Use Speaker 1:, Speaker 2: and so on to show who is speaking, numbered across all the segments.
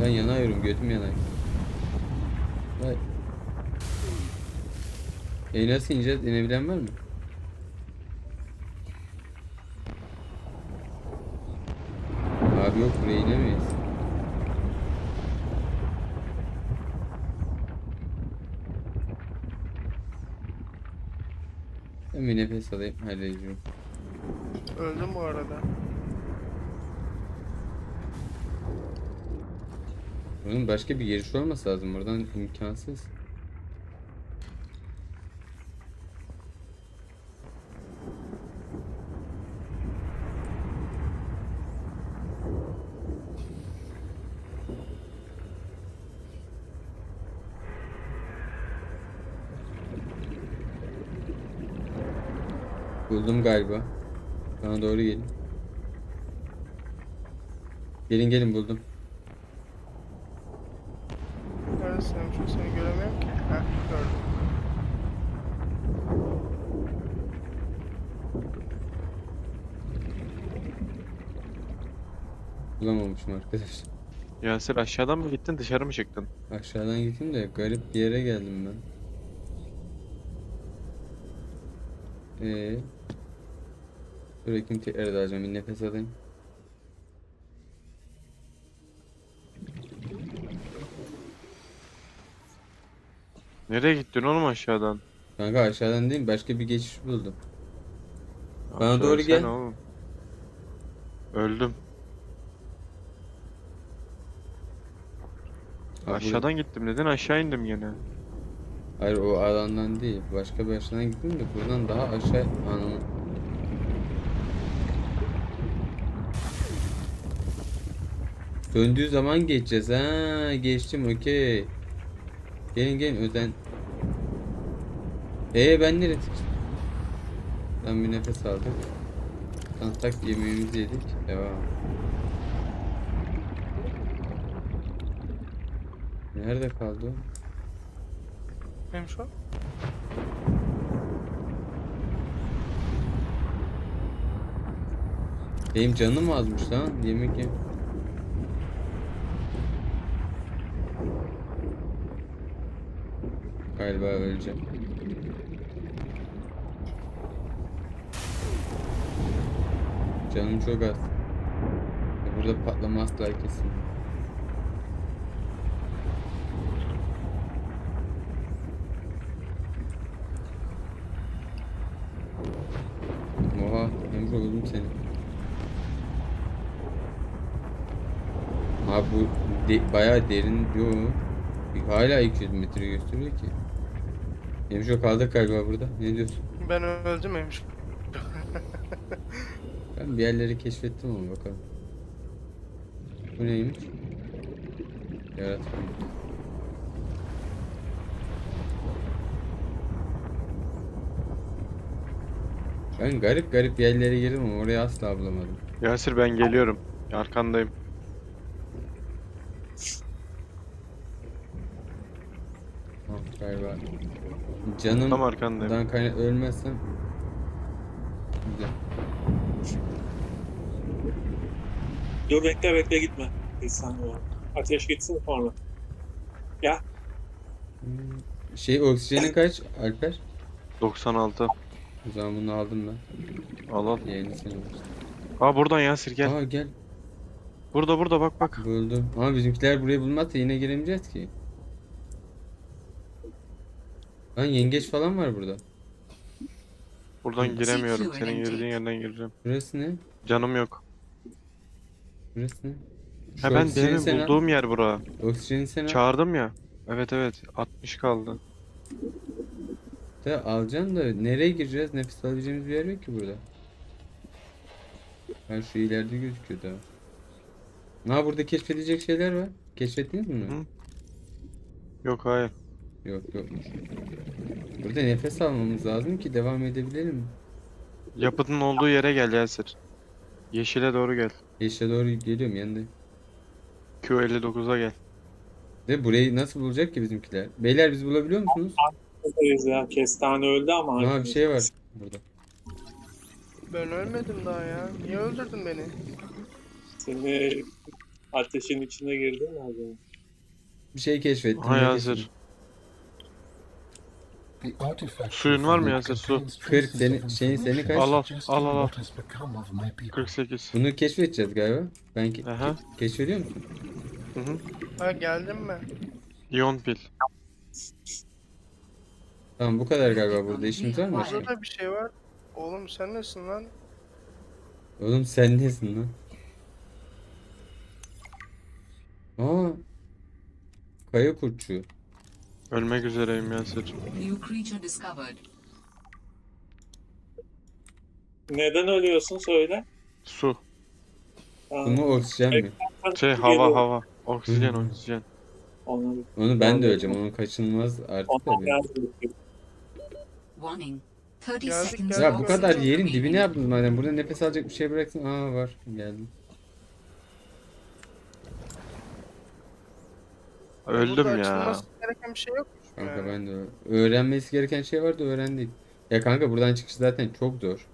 Speaker 1: Ben yanıyorum, götüm yanar. Vay. Nasıl ineceğiz? İnebilen var mı? Abi yok, buraya inemeyiz. Ben bir nefes alayım, halledeceğim.
Speaker 2: Öldüm bu arada.
Speaker 1: Bunun başka bir giriş olması lazım. Buradan imkansız. Buldum galiba. Bana doğru gelin. Gelin gelin, buldum.
Speaker 2: Neredesin? Çünkü seni göremiyorum ki. Heh, gördüm.
Speaker 1: Bulamamışım arkadaş.
Speaker 3: Yasir aşağıdan mı gittin dışarı mı çıktın?
Speaker 1: Aşağıdan gittim de garip bir yere geldim ben. Dur bakayım, tekrar edeceğim. Bir nefes alayım.
Speaker 3: Nereye gittin oğlum aşağıdan?
Speaker 1: Kanka aşağıdan değil, başka bir geçiş buldum.
Speaker 3: Ya
Speaker 1: Bana doğru
Speaker 3: söylesene
Speaker 1: gel.
Speaker 3: oğlum. Öldüm.
Speaker 1: Ha,
Speaker 3: Aşağıdan gittim dedin aşağı indim yine.
Speaker 1: Hayır, o alandan değil. Başka bir aşağıdan gittim de buradan daha aşağı anlamı. Döndüğü zaman geçeceğiz. Ha, geçtim, okey. Gelin gelin öden. Ben nereye sıkıştım? Ben bir nefes aldık. Tak yemeğimizi yedik. Devam. Nerede kaldı o?
Speaker 2: Benim şu an.
Speaker 1: Benim canım azmış lan. Yemek yem. Galiba öleceğim. Canım çok az. Burada patlama asla kesin. Oha, Emre buldum seni. Abi bu bayağı derin. Yo. Hala 200 metre gösteriyor ki. Emre kaldık galiba burada. Ne diyorsun?
Speaker 2: Ben öldüm Emş.
Speaker 1: Ben bir yerleri keşfettim ama bakalım. Bu neymiş? Yaratma. Ben garip garip yerlere girdim ama orayı asla bulamadım.
Speaker 3: Yasir ben geliyorum. Arkandayım.
Speaker 1: Tamam galiba.
Speaker 3: Tam arkandayım.
Speaker 1: Canımdan kaynak ölmezsem güzel.
Speaker 4: Dur bekle gitme. Bir saniye. Ateş gitsin sonra. Gel.
Speaker 1: Oksijenin kaç Alper?
Speaker 3: 96.
Speaker 1: O zaman bunu aldım ben.
Speaker 3: Al al.
Speaker 1: Yerini sen alırsın.
Speaker 3: Aa buradan Yasir gel.
Speaker 1: Aa gel.
Speaker 3: Burada bak bak.
Speaker 1: Buldum. Ama bizimkiler burayı bulmazsa yine giremeyeceğiz ki. Lan yengeç falan var burada.
Speaker 3: Buradan giremiyorum. Senin girdiğin yerden gireceğim.
Speaker 1: Burası ne?
Speaker 3: Canım yok.
Speaker 1: Burası ne?
Speaker 3: Ha
Speaker 1: Şu
Speaker 3: ben
Speaker 1: oksijeni
Speaker 3: demin
Speaker 1: sen al.
Speaker 3: bulduğum yer bura.
Speaker 1: Oksijeni sen al.
Speaker 3: Çağırdım ya. Evet 60 kaldı.
Speaker 1: Da alacaksın da nereye gireceğiz? Nefes alabileceğimiz bir yer yok ki burada. Ha, şu ileride gözüküyor daha. Ha, burada keşfedilecek şeyler var. Keşfettiniz mi bunu?
Speaker 3: Hı. Yok hayır.
Speaker 1: Yokmuş. Burada nefes almamız lazım ki devam edebilelim.
Speaker 3: Yapıtın olduğu yere gel Yasir. Yeşile doğru gel.
Speaker 1: Yeşile doğru geliyorum yanındayım.
Speaker 3: Q59'a gel.
Speaker 1: De burayı nasıl bulacak ki bizimkiler? Beyler, biz bulabiliyor musunuz?
Speaker 4: Buradayız ya. Kestane öldü ama.
Speaker 1: Aha, bir şey var burada.
Speaker 2: Ben ölmedim daha ya. Niye öldürdün beni?
Speaker 4: Seni Ateşin içine girdin mi acaba?
Speaker 1: Bir şey keşfettim.
Speaker 3: Aha
Speaker 1: ne
Speaker 3: Yasir.
Speaker 1: keşfettim?
Speaker 3: Suyun var mı Yasir? Su.
Speaker 1: 40 seni kaç?
Speaker 3: Al al al al al. 48.
Speaker 1: Bunu keşfedeceğiz galiba. Ben
Speaker 3: Aha.
Speaker 1: keşfediyor musun?
Speaker 3: Hı hı.
Speaker 2: Ha geldin mi?
Speaker 3: İyon pil.
Speaker 1: Tamam bu kadar galiba, burada işimiz var mı?
Speaker 2: Burada da bir şey var. Oğlum sen nesin lan?
Speaker 1: Oğlum sen nesin lan? Aa, kaya kurtçuğu.
Speaker 3: Ölmek üzereyim Yasir.
Speaker 5: New creature discovered.
Speaker 4: Neden ölüyorsun söyle.
Speaker 3: Su.
Speaker 4: Ha,
Speaker 1: Bu mu oksijen mi?
Speaker 3: Şey
Speaker 4: geliyor.
Speaker 3: hava. Oksijen
Speaker 1: Hı.
Speaker 3: oksijen.
Speaker 4: Onu,
Speaker 1: Onu ben de öleceğim. Onun kaçınılmaz artık
Speaker 4: ona
Speaker 1: tabii.
Speaker 4: geldi.
Speaker 5: Warning. 30
Speaker 2: Geldik,
Speaker 5: seconds.
Speaker 2: geldik.
Speaker 1: Ya bu kadar
Speaker 5: oxygen
Speaker 1: yerin dibine
Speaker 5: remaining.
Speaker 1: yaptınız madem. Burada nefes alacak bir şey bıraksın. Aa var. Geldim.
Speaker 3: Öldüm
Speaker 2: Burada
Speaker 3: ya.
Speaker 2: açılması gereken bir şey yok.
Speaker 1: Kanka ben de öğrenmesi gereken şey vardı, öğrendik. Ya kanka buradan çıkış zaten çok zor.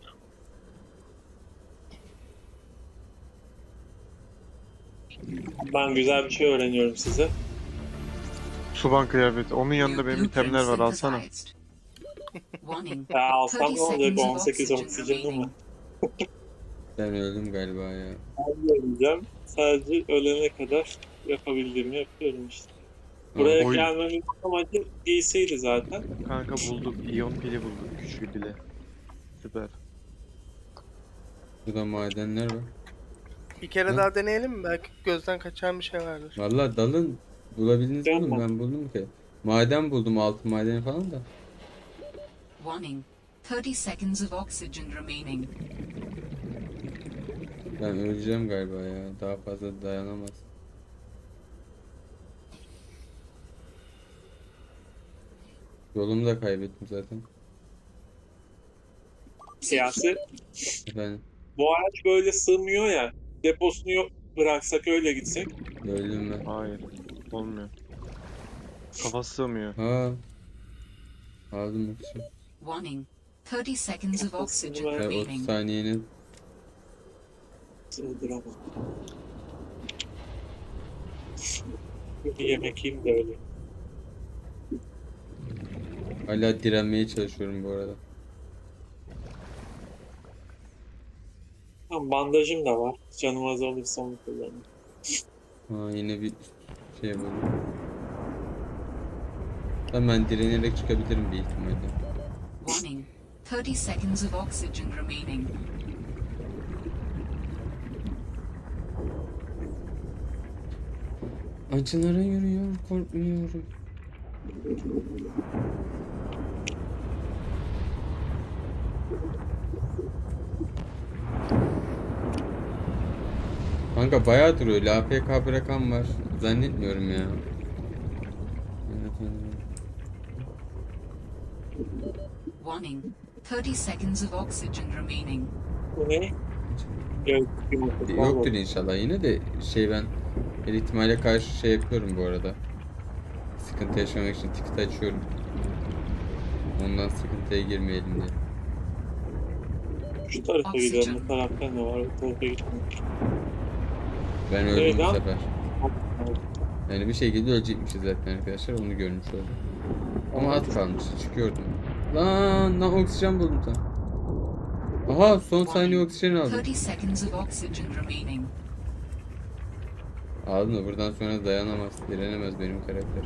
Speaker 4: Ben güzel bir şey öğreniyorum size.
Speaker 3: Suban kıyafeti. Onun yanında
Speaker 5: New
Speaker 3: benim itemler var,
Speaker 5: blueprint
Speaker 3: alsana.
Speaker 5: synthesized. Warning.
Speaker 4: Ya alsam
Speaker 5: 30
Speaker 4: ne olacak?
Speaker 5: seconds of
Speaker 4: 18
Speaker 5: oxygen
Speaker 4: oksijenim
Speaker 5: remaining.
Speaker 4: var.
Speaker 1: Ben öldüm galiba ya.
Speaker 4: Ben öleceğim. Sadece ölene kadar yapabildiğimi yapıyorum işte. Buraya
Speaker 3: Oy.
Speaker 4: gelmemin amacı giysiydi zaten.
Speaker 3: Kanka bulduk. İyon pili bulduk. Güçlü bile. Süper.
Speaker 1: Burada madenler var.
Speaker 2: Bir kere
Speaker 1: Hı?
Speaker 2: daha deneyelim mi? Belki gözden kaçan bir şey vardır.
Speaker 1: Vallahi dalın bulabildiniz mi oğlum?
Speaker 4: Yapma.
Speaker 1: Ben buldum ki. Maden buldum, altın madeni falan da.
Speaker 5: Warning. 30 seconds of oxygen remaining.
Speaker 1: Ben öleceğim galiba ya. Daha fazla dayanamaz. Yolumu da kaybettim zaten.
Speaker 4: Siyasi.
Speaker 1: Efendim
Speaker 4: Bu araç böyle sığmıyor ya. Deposunu yok bıraksak öyle gitsek.
Speaker 1: öldüm ben.
Speaker 3: Hayır. Olmuyor. Kafası sığmıyor.
Speaker 1: Ha. Aldım yoksa.
Speaker 5: Warning. 30 seconds of oxygen
Speaker 4: Ben
Speaker 1: 30
Speaker 5: remaining.
Speaker 1: saniyenin
Speaker 4: Sığdıramam. Bir yemek yiyeyim de öyle.
Speaker 1: hala direnmeye çalışıyorum bu arada.
Speaker 4: Tamam, bandajım da var. Canım az olursa onu kullanırım.
Speaker 1: Ha yine bir şey buldum. Tamam ben direnerek çıkabilirim bir ihtimalle.
Speaker 5: Warning. 30 seconds of oxygen remaining.
Speaker 1: Acılara yürüyor, korkmuyorum. Kanka bayağı duruyor. LPK bırakan var. Zannetmiyorum ya.
Speaker 5: Warning. 30 seconds of oxygen remaining.
Speaker 4: Bu ne? Evet,
Speaker 1: Yoktur inşallah yine de ben her ihtimale karşı şey yapıyorum bu arada. Sıkıntı yaşamak için ticket açıyorum. Ondan sıkıntıya girmeyelim diye.
Speaker 4: Şu tarafa gidelim. Bu tarafta ne var? Bu tarafa gitmiyorum.
Speaker 1: Ben öldüm
Speaker 4: Evet,
Speaker 1: bu
Speaker 4: lan.
Speaker 1: sefer. Yani bir şekilde ölecekmişiz zaten arkadaşlar, onu görmüş oldum. Ama az kalmış, çıkıyordum. Lan oksijen buldum sen. Aha son saniye oksijen aldım.
Speaker 5: 30 seconds of oxygen remaining.
Speaker 1: Aldım da buradan sonra dayanamaz, direnemez benim karakter.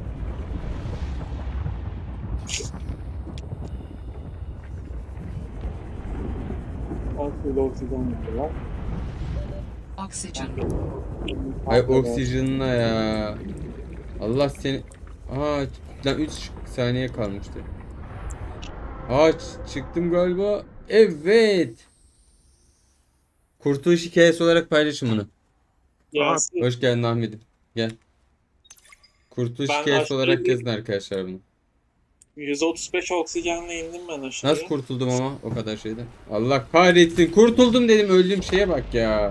Speaker 4: Altında oksijen var.
Speaker 5: Oxygen.
Speaker 1: Ay oksijenine ya. Allah seni... Aa lan 3 saniye kalmıştı. Aa çıktım galiba. Evet. Kurtuluş hikayesi olarak paylaşın bunu.
Speaker 4: Yasin,
Speaker 1: Hoş geldin Ahmet'im. Gel. Kurtuluş
Speaker 4: Ben
Speaker 1: hikayesi
Speaker 4: aşağı
Speaker 1: olarak
Speaker 4: bir-
Speaker 1: yazın arkadaşlar bunu.
Speaker 4: 135 oksijenle indim ben aşağıya.
Speaker 1: Nasıl kurtuldum ama o kadar şeyden. Allah kahretsin. Kurtuldum dedim, öldüğüm şeye bak ya.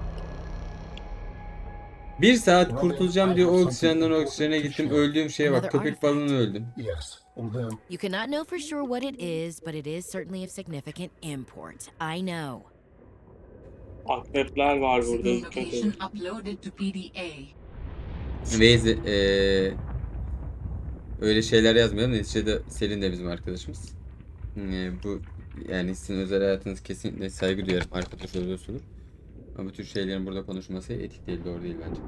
Speaker 1: Bir saat kurtulacağım diye oksijenden oksijene gittim, öldüğüm şeye bak. Köpek balığına öldüm.
Speaker 6: You cannot know for sure what it is, but it is certainly of significant import. I know.
Speaker 4: Akrepler var burada, dikkat
Speaker 5: Location
Speaker 4: edin.
Speaker 5: uploaded to PDA.
Speaker 1: Waze öyle şeyler yazmayalım. Neticede Selin de bizim arkadaşımız. Bu yani sizin özel hayatınız, kesinlikle saygı duyarım, arkadaş oluyorsunuz. Ama bu tür şeylerin burada konuşması etik değil, doğru değil bence.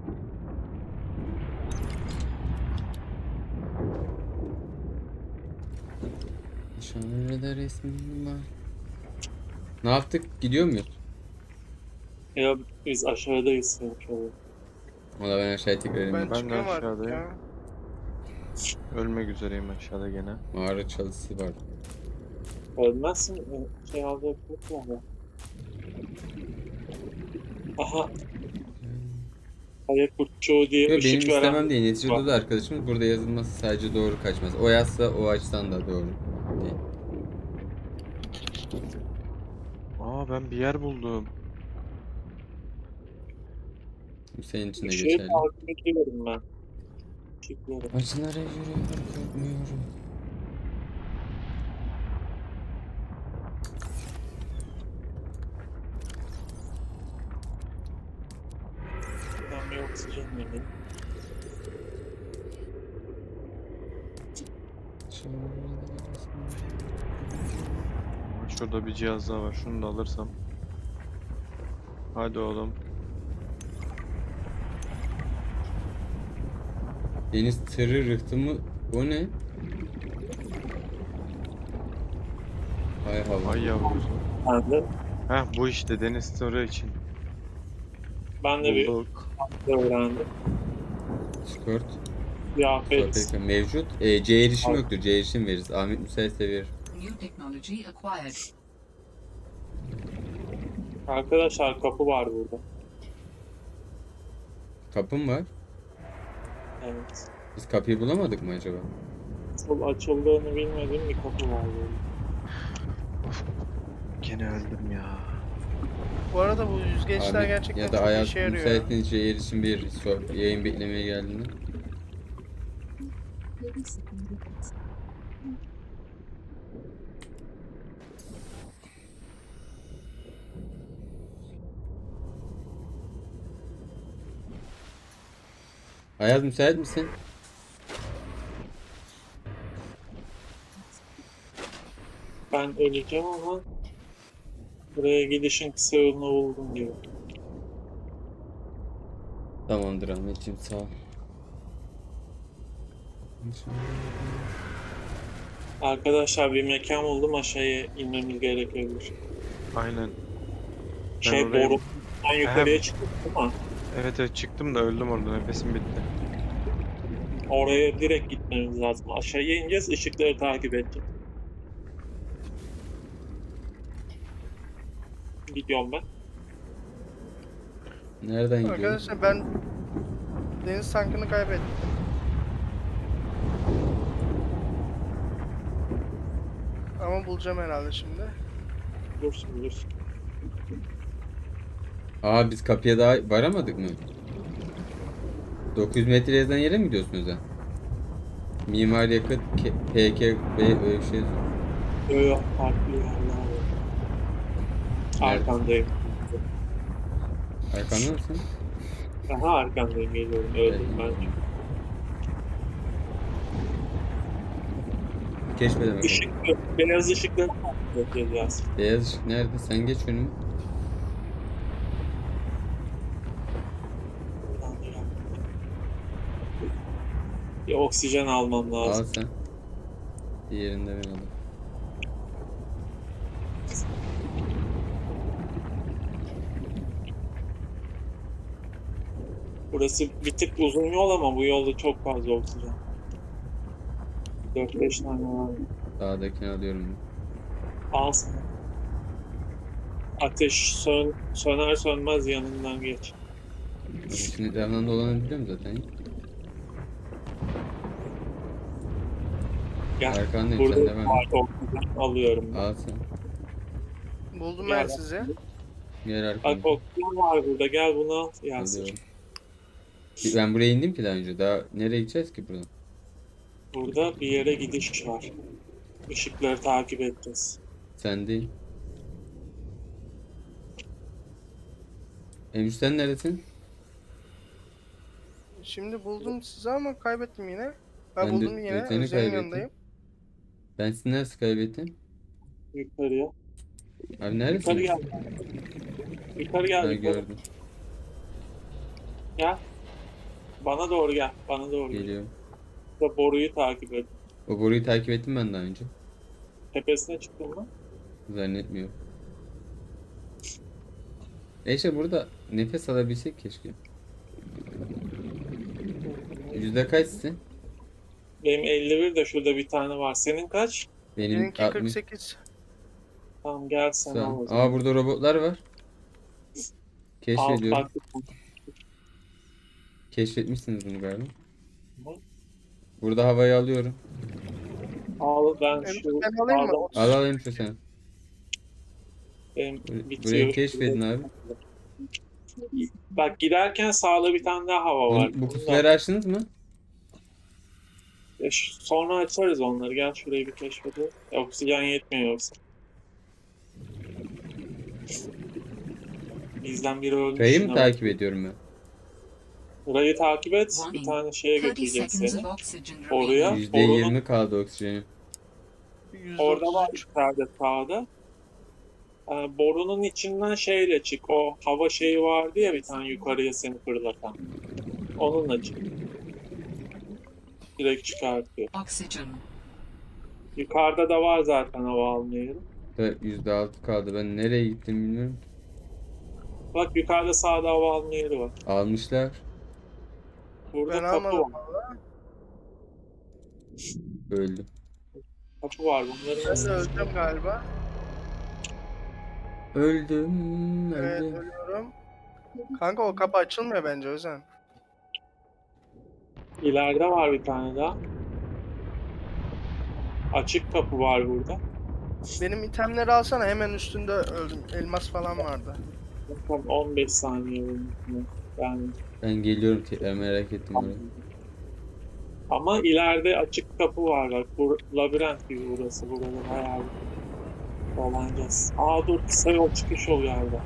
Speaker 1: Şöyle resmim var. Ne yaptık? Gidiyor muyuz?
Speaker 4: Ya biz aşağıdayız sanki.
Speaker 1: Valla ben aşağıya tekrar
Speaker 2: Ben
Speaker 1: ineyim.
Speaker 3: de
Speaker 2: çıkıyorum artık
Speaker 3: aşağıdayım.
Speaker 2: ya.
Speaker 3: Ölmek üzereyim aşağıda gene.
Speaker 1: Mağara çalısı var.
Speaker 4: Ölmezsin. Şey aldı yapıyor mu? Aha. Kaya kurtçuğu diye
Speaker 1: Yo, benim
Speaker 4: ışık
Speaker 1: istemem
Speaker 4: veren.
Speaker 1: değil. Neticede de arkadaşımız burada yazılması sadece doğru kaçmaz. O yazsa o açıdan da doğru değil.
Speaker 3: Aa, ben bir yer buldum.
Speaker 1: Bu senin için de
Speaker 4: Işığı
Speaker 1: geçerli.
Speaker 4: takip ediyorum ben. Işıkları.
Speaker 1: Acılara yürüyorum, korkmuyorum.
Speaker 4: Ben bir oksijen vereyim.
Speaker 3: Şurada bir cihaz daha var. Şunu da alırsam. Hadi oğlum.
Speaker 1: Deniz tırı rıhtımı, o ne? Hay hava.
Speaker 3: Ay yavrusu.
Speaker 4: Ben de,
Speaker 3: Heh, bu işte deniz turu için.
Speaker 4: ben de bir
Speaker 3: Bulduk.
Speaker 4: öğrendim.
Speaker 1: Skort.
Speaker 4: Kıyafet.
Speaker 1: Skort mevcut. C erişim yoktur. C erişim veririz. Ahmet müsaitse verir.
Speaker 5: New technology acquired.
Speaker 4: Arkadaşlar kapı var burada.
Speaker 1: Kapım var.
Speaker 4: Evet.
Speaker 1: Biz kapıyı bulamadık mı acaba?
Speaker 4: Nasıl açıldığını bilmediğim bir kapı var burada.
Speaker 3: Gene öldüm ya.
Speaker 2: Bu arada bu yüzgeçler
Speaker 1: Abi,
Speaker 2: gerçekten
Speaker 1: ya da
Speaker 2: çok
Speaker 1: hayat
Speaker 2: işe yarıyor.
Speaker 1: müsaitliğince C erişim veririz. Yayın beklemeye geldiğinde. Ayaz müsait misin?
Speaker 4: Ben öleceğim ama buraya gidişin kısa yolunu buldum diyor.
Speaker 1: Tamamdır Ahmetciğim, sağ ol.
Speaker 4: Arkadaşlar bir mekan buldum, aşağıya inmemiz gerekebilir.
Speaker 3: Aynen.
Speaker 4: Şey
Speaker 3: oraya-
Speaker 4: boru. Ben yukarıya çıktım ama
Speaker 3: Evet evet, çıktım da öldüm orada. Nefesim bitti.
Speaker 4: oraya direkt gitmemiz lazım. Aşağıya ineceğiz, ışıkları takip edeceğiz. Gidiyorum ben.
Speaker 1: Nereden gidiyor?
Speaker 2: Arkadaşlar ben deniz tankını kaybettim. Ama bulacağım herhalde şimdi.
Speaker 4: Dursun.
Speaker 1: Aa, biz kapıya daha varamadık mı? 900 metre yazan yere mi gidiyorsunuz ha? Mimar yakıt PKB öyle bir şey yazıyor.
Speaker 4: Yok, farklı yerler var. Arkandayım.
Speaker 1: Arkamda mısın?
Speaker 4: Aha, arkandayım, geliyorum. Öldüm ben.
Speaker 1: Keşfedeme bakalım.
Speaker 4: Işıklı, beyaz ışıkları takip edeceğiz.
Speaker 1: Beyaz ışık nerede? Sen geç önüme.
Speaker 4: Bir oksijen almam
Speaker 1: Al
Speaker 4: lazım.
Speaker 1: sen. Diğerinde ben alayım.
Speaker 4: Burası bir tık uzun yol ama bu yolda çok fazla oksijen. 4-5 tane var.
Speaker 1: Sağdakini alıyorum.
Speaker 4: Al sana. Ateş söner sönmez yanından geç.
Speaker 1: Şimdi etrafından dolanabiliyorum zaten.
Speaker 4: Gel.
Speaker 1: Arkandayım,
Speaker 4: Burada
Speaker 1: sen devam et.
Speaker 4: var, oksijen alıyorum ben.
Speaker 1: Al sen.
Speaker 2: Buldum
Speaker 4: Gel
Speaker 2: ben
Speaker 4: bak.
Speaker 2: sizi.
Speaker 1: Gel
Speaker 4: Bak
Speaker 1: arkamda.
Speaker 4: oksijen var burada, gel bunu al. Yansın.
Speaker 1: Alıyorum. Ben buraya indim ki daha önce. Daha nereye gideceğiz ki buradan?
Speaker 4: Burada bir yere gidiş var. Işıkları takip edeceğiz.
Speaker 1: Sen değil. Emre sen neredesin?
Speaker 2: Şimdi buldum sizi ama kaybettim yine.
Speaker 1: Ben de
Speaker 2: Buldum yine.
Speaker 1: seni
Speaker 2: Özlem'in
Speaker 1: kaybettim.
Speaker 2: yanındayım.
Speaker 1: Ben sizi nasıl kaybettim?
Speaker 4: Yukarıya.
Speaker 1: Abi
Speaker 4: Yukarı
Speaker 1: neredesin?
Speaker 4: gel. Yukarı gel.
Speaker 1: Ben
Speaker 4: Yukarı.
Speaker 1: gördüm.
Speaker 4: Gel. Bana doğru gel. Bana doğru gel.
Speaker 1: Geliyorum.
Speaker 4: Burada boruyu takip et.
Speaker 1: O boruyu takip ettim ben daha önce.
Speaker 4: Tepesine çıktın mı?
Speaker 1: Zannetmiyorum. İşte burada nefes alabilsek keşke. Yüzde kaçsın?
Speaker 4: Benim 51 de şurada bir tane var. Senin kaç?
Speaker 1: Benim
Speaker 2: Benimki
Speaker 1: 60.
Speaker 2: 48.
Speaker 4: Tamam gel sen al o zaman.
Speaker 1: Aa burada robotlar var.
Speaker 4: Al,
Speaker 1: Keşfediyorum.
Speaker 4: bak.
Speaker 1: Keşfetmişsiniz bunu galiba.
Speaker 4: Hı.
Speaker 1: Burada havayı alıyorum.
Speaker 4: Al ben
Speaker 2: Emre,
Speaker 4: şu
Speaker 2: ben alayım mı?
Speaker 4: sağda-
Speaker 1: Al alayım şu sen.
Speaker 4: benim
Speaker 1: Burayı
Speaker 4: bitiyor.
Speaker 1: keşfedin abi.
Speaker 4: Bak giderken sağda bir tane daha hava var.
Speaker 1: Bu kutuları açtınız mı?
Speaker 4: Sonra açarız onları. Gel şurayı bir keşfedelim. Oksijen yetmiyor yoksa. Bizden biri ölmüş.
Speaker 1: Kayayı mı
Speaker 4: yine.
Speaker 1: takip ediyorum ben?
Speaker 4: Burayı takip et. Bir tane şeye
Speaker 5: 30
Speaker 4: götürecek
Speaker 5: seconds
Speaker 4: seni.
Speaker 5: of oxygen
Speaker 4: Oraya.
Speaker 5: remaining.
Speaker 1: %20 kaldı oksijenim.
Speaker 4: Orada var
Speaker 2: %33.
Speaker 4: yukarıda sağda. Borunun içinden şeyle çık. O hava şeyi vardı ya bir tane yukarıya seni fırlatan. Onunla çık. Direkt çıkartıyor.
Speaker 5: Oxygen.
Speaker 4: Yukarıda da var zaten hava alma yeri.
Speaker 1: Da %6 kaldı. Ben nereye gittim bilmiyorum.
Speaker 4: Bak yukarıda sağda hava alma yeri var.
Speaker 1: Almışlar.
Speaker 4: Burada
Speaker 2: Ben
Speaker 4: kapı
Speaker 2: almadım
Speaker 4: var.
Speaker 2: valla.
Speaker 1: Öldüm.
Speaker 4: Kapı var. Bunların
Speaker 2: Ben de
Speaker 4: nasıl?
Speaker 2: öleceğim galiba.
Speaker 1: Öldüm.
Speaker 2: Evet
Speaker 1: Öldüm.
Speaker 2: ölüyorum. Kanka o kapı açılmıyor bence Özen.
Speaker 4: İleride var bir tane daha. Açık kapı var burada.
Speaker 2: Benim itemleri alsana, hemen üstünde öldüm. Elmas falan vardı.
Speaker 4: Tam 15 saniye bunun.
Speaker 1: Ben geliyorum tekrar merak ettim orayı.
Speaker 4: Ama ileride açık kapı var bak. Bu labirent gibi burası. Burada bayağı dolanacağız. Aa dur kısa yol çıkış yolu galiba.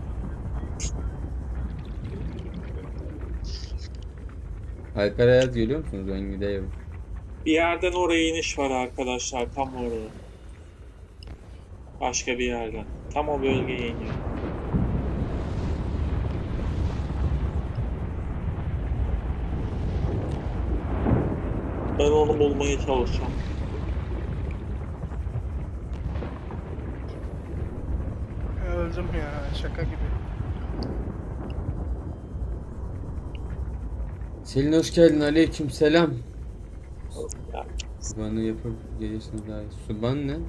Speaker 1: Alper Ayaz geliyor musunuz? Ben gidiyorum.
Speaker 4: Bir yerden oraya iniş var arkadaşlar. Tam oraya. Başka bir yerden. Tam o bölgeye iniyor. Ben onu bulmaya çalışacağım.
Speaker 2: Öldüm ya, şaka gibi.
Speaker 1: Selin hoş geldin. Aleyküm selam.
Speaker 4: Ya,
Speaker 1: Subanı yapıp gelişine dair. Suban ne?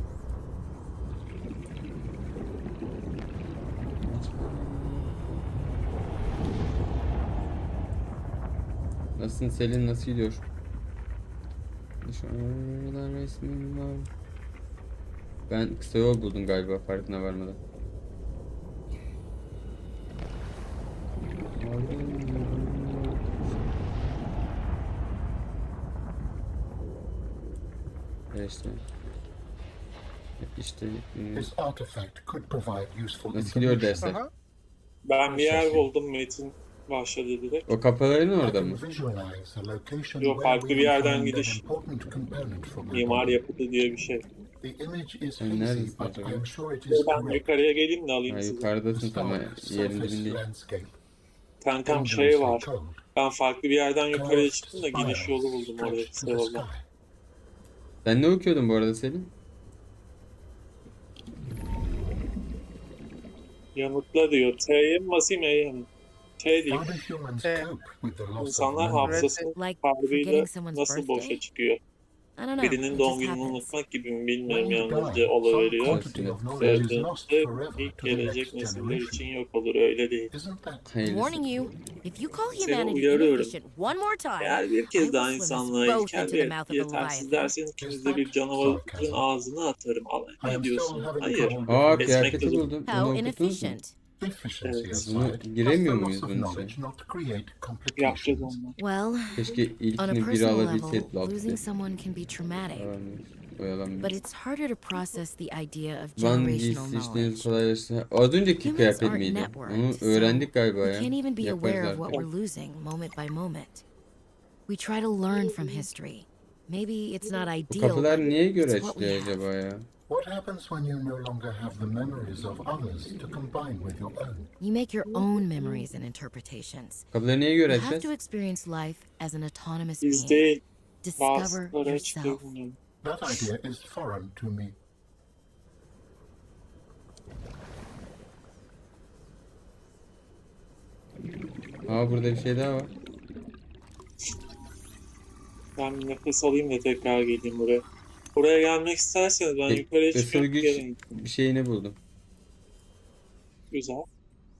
Speaker 1: Nasılsın Selin? Nasıl gidiyor? Şu aralar resmim var. Ben kısa yol buldum galiba farkına varmadan. İşte. İşte.
Speaker 7: This artifact could provide useful
Speaker 1: Nasıl gidiyor
Speaker 7: information.
Speaker 1: dersler?
Speaker 2: Aha.
Speaker 4: ben bir yer buldum. Metin başladı direkt.
Speaker 1: O kapıların
Speaker 7: I
Speaker 1: orada
Speaker 7: can
Speaker 1: mı?
Speaker 7: visualize a location
Speaker 4: Yok,
Speaker 7: where
Speaker 4: farklı
Speaker 7: we
Speaker 4: bir yerden
Speaker 7: will find an
Speaker 4: gidiş.
Speaker 7: important component for my
Speaker 4: Mimar
Speaker 7: body.
Speaker 4: yapıtı diye bir şey.
Speaker 7: The image is
Speaker 1: Sen
Speaker 7: hazy,
Speaker 1: neredesin
Speaker 7: but
Speaker 1: acaba?
Speaker 7: I'm sure it is
Speaker 4: Ben
Speaker 7: correct.
Speaker 4: yukarıya geleyim de alayım
Speaker 1: Ha,
Speaker 4: sizi.
Speaker 1: yukarıdasın ama
Speaker 7: Stark
Speaker 1: yerin
Speaker 7: surface
Speaker 1: dibindeyim.
Speaker 7: landscape.
Speaker 4: Kankam şey
Speaker 7: dangerously
Speaker 4: var.
Speaker 7: cold.
Speaker 4: Ben farklı bir yerden yukarıya
Speaker 7: Curved
Speaker 4: çıktım da gidiş yolu
Speaker 7: spirals
Speaker 4: buldum orada
Speaker 7: stretch
Speaker 4: kısa
Speaker 7: to the
Speaker 4: yoldan.
Speaker 7: sky.
Speaker 1: Sen ne okuyordun bu arada Selin?
Speaker 4: Yanıtla diyor. T'ye mi basayım E'ye mi? T diyor.
Speaker 7: How do humans
Speaker 2: Eh,
Speaker 7: cope with the loss of
Speaker 4: İnsanlar
Speaker 7: memory?
Speaker 4: hafızası
Speaker 6: Like
Speaker 4: kaybıyla
Speaker 6: forgetting someone's
Speaker 4: nasıl boşa
Speaker 6: birthday?
Speaker 4: çıkıyor?
Speaker 6: I don't know.
Speaker 4: Birinin
Speaker 6: It
Speaker 4: doğum
Speaker 6: just
Speaker 4: gününü
Speaker 6: happens.
Speaker 4: unutmak gibi mi
Speaker 7: When
Speaker 4: bilmiyorum
Speaker 7: you
Speaker 4: yalnızca
Speaker 7: die, some
Speaker 4: oluveriyor.
Speaker 7: quantity of knowledge is lost
Speaker 4: Öldüğünde
Speaker 7: forever
Speaker 4: ilk
Speaker 7: to the
Speaker 4: gelecek
Speaker 7: next
Speaker 4: nesiller
Speaker 7: generation.
Speaker 4: için yok olur öyle değil.
Speaker 7: Isn't that
Speaker 1: Hayırlısı.
Speaker 6: Warning you, if you call
Speaker 4: Seni
Speaker 6: humanity
Speaker 4: uyarıyorum.
Speaker 6: inefficient one more time,
Speaker 4: Eğer bir
Speaker 6: I
Speaker 4: kez
Speaker 6: will
Speaker 4: daha
Speaker 6: swim us
Speaker 4: insanlığa
Speaker 6: both
Speaker 4: ilkel
Speaker 6: into the
Speaker 4: ve
Speaker 6: mouth of a
Speaker 4: yetersiz
Speaker 6: leviathan.
Speaker 4: derseniz ikiniz de bir canavarın ağzına atarım.
Speaker 7: I
Speaker 4: Ne
Speaker 7: am
Speaker 4: diyorsun?
Speaker 7: still having
Speaker 4: Hayır.
Speaker 7: trouble
Speaker 1: Aa
Speaker 7: with
Speaker 1: kıyafeti
Speaker 4: Esmek
Speaker 1: buldum. Bunu
Speaker 6: How
Speaker 1: okudunuz mu?
Speaker 6: inefficient.
Speaker 7: efficiency
Speaker 4: Evet.
Speaker 7: aside,
Speaker 1: Bunu
Speaker 7: does the
Speaker 1: giremiyor
Speaker 7: loss
Speaker 1: muyuz
Speaker 7: of
Speaker 1: bunun
Speaker 7: knowledge
Speaker 1: için?
Speaker 7: not create
Speaker 4: Yapacağız
Speaker 7: complications?
Speaker 4: onu.
Speaker 6: Well,
Speaker 1: Keşke
Speaker 6: on a
Speaker 1: ilkini biri
Speaker 6: personal
Speaker 1: alabilseydi.
Speaker 6: level, losing someone can be traumatic.
Speaker 1: Oyalanmıyor.
Speaker 6: but it's harder to process the idea of
Speaker 1: Van
Speaker 6: generational
Speaker 1: giysi işleriniz
Speaker 6: knowledge.
Speaker 1: kolaylaştı. Az önceki
Speaker 6: Humans
Speaker 1: kıyafet
Speaker 6: aren't
Speaker 1: miydi?
Speaker 6: networked,
Speaker 1: Onu
Speaker 6: so
Speaker 1: öğrendik galiba
Speaker 6: We
Speaker 1: ya.
Speaker 6: can't even be
Speaker 1: Yaparız
Speaker 6: aware of what
Speaker 1: artık.
Speaker 6: we're losing moment by moment. We try to learn from history. Maybe it's not
Speaker 1: Bu
Speaker 6: ideal,
Speaker 1: kapılar
Speaker 6: but
Speaker 1: niye göre
Speaker 6: it's what we
Speaker 1: açılıyor
Speaker 6: have.
Speaker 1: acaba ya?
Speaker 7: What happens when you no longer have the memories of others to combine with your own?
Speaker 6: You make your own memories and interpretations.
Speaker 1: Kapıları niye göre
Speaker 6: You have to
Speaker 1: açacağız?
Speaker 6: experience life as an autonomous
Speaker 4: Biz
Speaker 6: being.
Speaker 4: değil.
Speaker 6: Discover
Speaker 4: Bazıları açık
Speaker 6: yourself.
Speaker 4: görünüyor.
Speaker 7: That idea is foreign to me.
Speaker 1: Aa, burada bir şey daha var.
Speaker 4: Ben bir nefes alayım da tekrar geleyim buraya. Buraya gelmek isterseniz ben
Speaker 1: E,
Speaker 4: yukarıya
Speaker 1: ısıl
Speaker 4: çıkıp
Speaker 1: güç
Speaker 4: geleyim.
Speaker 1: bir şeyini buldum.
Speaker 4: Güzel.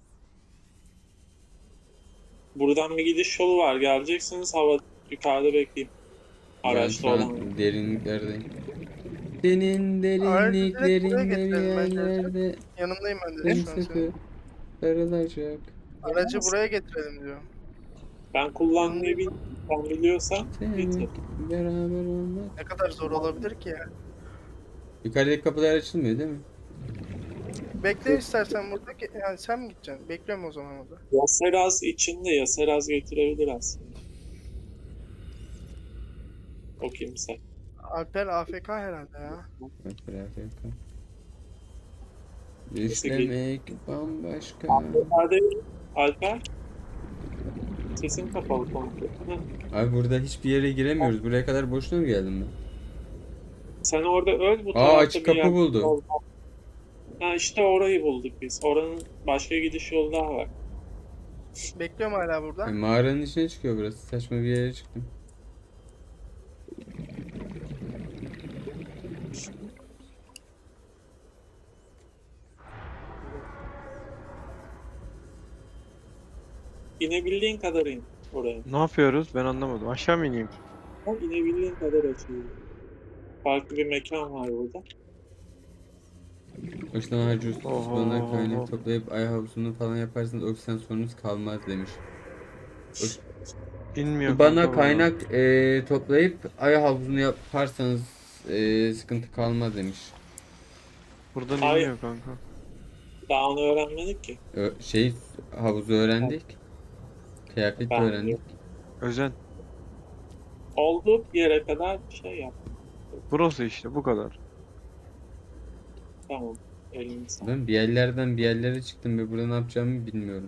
Speaker 4: Buradan bir gidiş yolu var. Geleceksiniz hava yukarıda bekleyeyim.
Speaker 1: Ben
Speaker 4: Araçta
Speaker 1: şu
Speaker 4: olan.
Speaker 1: an derinliklerdeyim. Senin
Speaker 2: Aracı direkt buraya
Speaker 1: derinliklerinde bir
Speaker 2: getirelim bence.
Speaker 1: yerlerde
Speaker 2: Yanındayım ben de şu an
Speaker 1: sımsıkı
Speaker 2: senin.
Speaker 1: sarılacak.
Speaker 2: Aracı buraya getirelim diyor.
Speaker 4: Ben kullanmayı sen biliyorsan getir.
Speaker 1: Sevmek, beraber olmak.
Speaker 2: Ne kadar zor olabilir ki ya.
Speaker 1: Yukarıdaki kapılar açılmıyor değil mi?
Speaker 2: Bekle istersen burada. Yani sen mi gideceksin? Bekliyorum o zaman orada.
Speaker 4: Yaseraz içinde Yaseraz getirebilir aslında. O kimse.
Speaker 2: Alper AFK herhalde ya.
Speaker 1: Bak beraber kal. Düşlemek bambaşka.
Speaker 4: Alper, Alper. Sesin kapalı komple. Hı.
Speaker 1: Abi burada hiçbir yere giremiyoruz. Buraya kadar boşuna mı geldim ben?
Speaker 4: Sen orada öl bu
Speaker 1: Aa,
Speaker 4: tarafta
Speaker 1: açık
Speaker 4: bir
Speaker 1: kapı
Speaker 4: yer
Speaker 1: buldu.
Speaker 4: oldu. Ha işte orayı bulduk biz. Oranın başka gidiş yolu daha var.
Speaker 2: Bekliyorum hala burada.
Speaker 1: Mağaranın içine çıkıyor burası. Saçma bir yere çıktım.
Speaker 4: İnebildiğin kadar in oraya.
Speaker 3: Ne yapıyoruz? Ben anlamadım. Aşağı mı ineyim?
Speaker 4: O inebildiğin kadar açılıyor. Farklı bir mekan var burada.
Speaker 1: Boşuna harcıyorsunuz.
Speaker 3: Oho.
Speaker 1: Bana kaynak toplayıp ay havuzunu falan yaparsanız oksijen sorunuz kalmaz demiş.
Speaker 3: İnmiyor
Speaker 1: Bana
Speaker 3: kanka
Speaker 1: kaynak toplayıp ay havuzunu yaparsanız sıkıntı kalmaz demiş.
Speaker 3: Buradan
Speaker 4: Hayır.
Speaker 3: inmiyor kanka.
Speaker 4: Daha onu öğrenmedik ki.
Speaker 1: Havuzu öğrendik. Kıyafet de
Speaker 4: Ben
Speaker 1: öğrendik.
Speaker 3: Özen.
Speaker 4: Olduğu yere kadar bir şey yap.
Speaker 3: Burası işte bu kadar.
Speaker 4: Tamam. Elini sağ.
Speaker 1: Ben bir yerlerden bir yerlere çıktım ve burada ne yapacağımı bilmiyorum.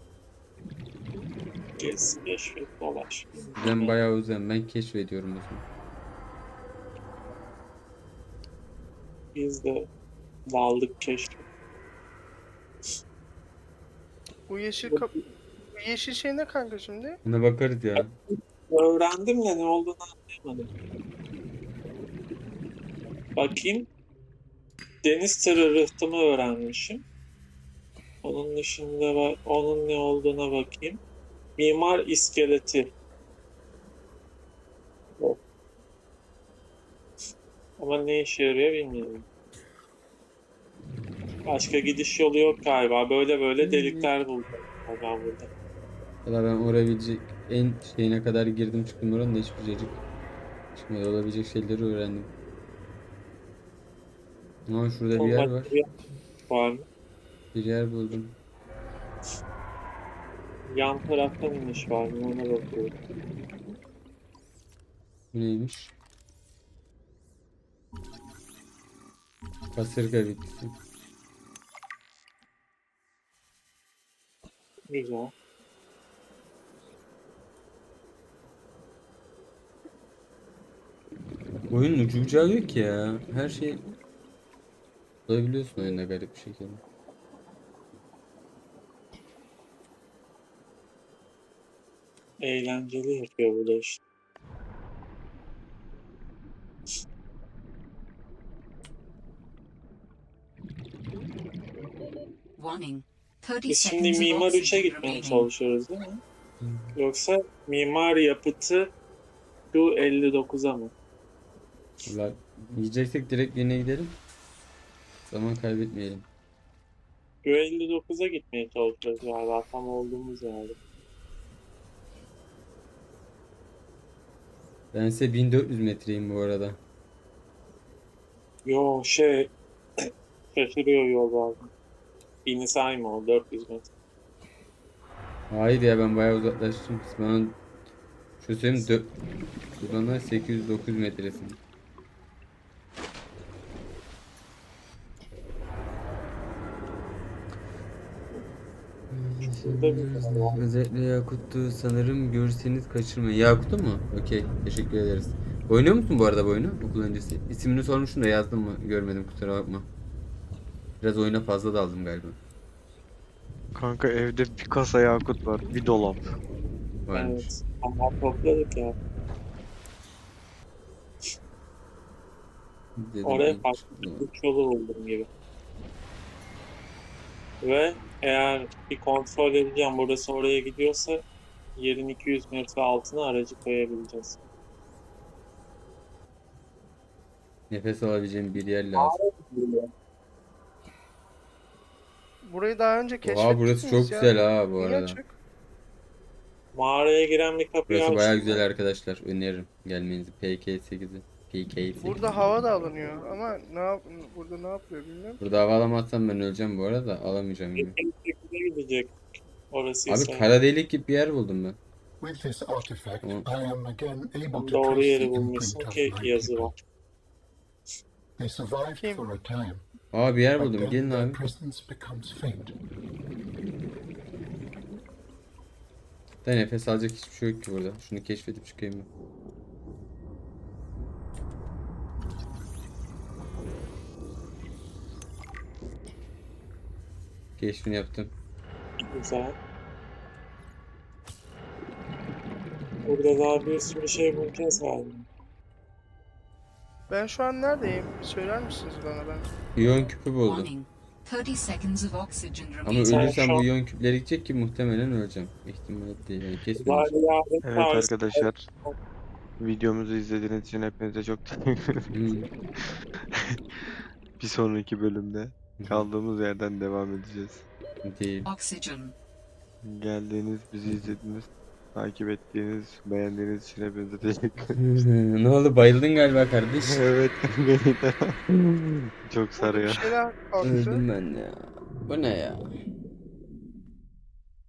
Speaker 4: Gez, keşfet, dolaş.
Speaker 1: Ben bayağı uzun. Ben keşfediyorum o zaman.
Speaker 4: Biz de daldık keşfet.
Speaker 2: Bu yeşil bu yeşil şey ne kanka şimdi?
Speaker 1: Buna bakarız ya.
Speaker 4: Öğrendim de ne olduğunu anlayamadım. Bakayım. Deniz tırı rıhtımı öğrenmişim. Onun dışında onun ne olduğuna bakayım. Mimar iskeleti. Yok. Ama ne işe yarıyor bilmiyorum. Başka gidiş yolu yok galiba. Böyle delikler buldum ben burada.
Speaker 1: Valla ben orabilecek en şeyine kadar girdim çıktım oranın da hiçbir cacık çıkmadı. Olabilecek şeyleri öğrendim. Ama şurada bir yer var.
Speaker 4: Var mı?
Speaker 1: Bir yer buldum.
Speaker 4: Yan taraftan iniş var mı? Ona bakıyorum.
Speaker 1: Bu neymiş? Kasırga bitkisi.
Speaker 4: Güzel.
Speaker 1: Oyunun ucu bucağı yok ki ya. Her şey bulabiliyorsun oyunda garip bir şekilde.
Speaker 4: Eğlenceli yapıyor bu da işte.
Speaker 5: Warning. 30
Speaker 4: Biz şimdi
Speaker 5: seconds of
Speaker 4: Mimar 3'e
Speaker 5: oxygen
Speaker 4: gitmeye
Speaker 5: remaining.
Speaker 4: çalışıyoruz değil mi? Yoksa Mimar Yapıtı Q59'a mı?
Speaker 1: Valla yiyeceksek direkt birine gidelim. Zaman kaybetmeyelim.
Speaker 4: Q59'a gitmeye çalışıyoruz galiba tam olduğumuz yerde.
Speaker 1: Ben size 1400 metreyim bu arada.
Speaker 4: Yo şey şaşırıyor yol bazen. 1000'i sayma o 400 metre.
Speaker 1: Hayır ya, ben bayağı uzaklaştım. Bana şu söyleyeyim, buradan da 809 metresin.
Speaker 4: Şurada bir tane var.
Speaker 1: Özellikle Yakut'tu sanırım, görürseniz kaçırmayın. Yakut'u mu? Okey, teşekkür ederiz. Oynuyor musun bu arada bu oyunu okul öncesi? İsmini sormuştum da yazdım mı görmedim, kusura bakma. Biraz oyuna fazla daldım galiba.
Speaker 3: Kanka evde bir kasa yakut var. Bir dolap.
Speaker 1: Varmış.
Speaker 4: Evet. Ama topladık ya.
Speaker 1: Dedim
Speaker 4: Oraya
Speaker 1: ilk-
Speaker 4: farklı bir yolu buldum gibi. Ve eğer bir kontrol edeceğim burası oraya gidiyorsa yerin 200 metre altına aracı koyabileceğiz.
Speaker 1: Nefes alabileceğim bir yer lazım.
Speaker 2: Burayı daha önce keşfettik
Speaker 1: Oha, burası çok
Speaker 2: ya?
Speaker 1: güzel ha bu
Speaker 2: Niye
Speaker 1: arada.
Speaker 2: açık?
Speaker 4: Mağaraya giren bir kapıyı
Speaker 1: Burası bayağı
Speaker 4: açtım.
Speaker 1: güzel arkadaşlar. Öneririm gelmenizi. PK8'i. PK8.
Speaker 2: Burada hava da alınıyor ama burada ne yapıyor bilmiyorum.
Speaker 1: Burada hava alamazsam ben öleceğim bu arada. Alamayacağım gibi.
Speaker 4: Bir gidecek. Orası
Speaker 1: Abi
Speaker 4: ise
Speaker 1: kara delik gibi bir yer buldum ben.
Speaker 7: With this artifact,
Speaker 1: Tamam.
Speaker 7: I am again able to
Speaker 4: doğru
Speaker 7: trace the
Speaker 4: yeri bulmuşsun
Speaker 7: imprint of
Speaker 4: ki
Speaker 7: my
Speaker 4: yazı
Speaker 7: people.
Speaker 4: var.
Speaker 7: They survived
Speaker 2: Kim?
Speaker 7: for a time,
Speaker 1: Aa, bir yer
Speaker 7: but
Speaker 1: buldum.
Speaker 7: then
Speaker 1: Gelin
Speaker 7: their
Speaker 1: abi.
Speaker 7: presence becomes faint.
Speaker 1: Da nefes alacak hiçbir şey yok ki burada. Şunu keşfedip çıkayım ben. Keşfini yaptım.
Speaker 4: Güzel. Burada daha bir sürü şey bulacağız galiba.
Speaker 2: Ben şu an neredeyim? Söyler misiniz bana ben?
Speaker 1: İyon küpü buldum.
Speaker 5: Warning. 30 seconds of oxygen
Speaker 1: Ama
Speaker 5: remaining.
Speaker 4: Sen
Speaker 1: ölürsem
Speaker 4: şu
Speaker 1: bu
Speaker 4: an-
Speaker 1: iyon küpleri gidecek ki muhtemelen öleceğim. İhtimal değil. Yani kesin
Speaker 4: Var
Speaker 1: öleceğim.
Speaker 4: yardım
Speaker 3: Evet
Speaker 4: çağrısı.
Speaker 3: arkadaşlar. Videomuzu izlediğiniz için hepinize çok teşekkür ederim.
Speaker 1: Hmm.
Speaker 3: Bir sonraki bölümde kaldığımız yerden devam edeceğiz.
Speaker 1: Değil.
Speaker 5: Oxygen.
Speaker 3: Geldiğiniz, bizi izlediğiniz, takip ettiğiniz, beğendiğiniz için hepinize teşekkür ederim.
Speaker 1: Ne oldu, bayıldın galiba kardeş.
Speaker 3: Evet, beni de çok
Speaker 2: Burada bir
Speaker 3: sarıyor.
Speaker 2: şeyler kalktı.
Speaker 1: Öldüm ben ya. Bu ne ya?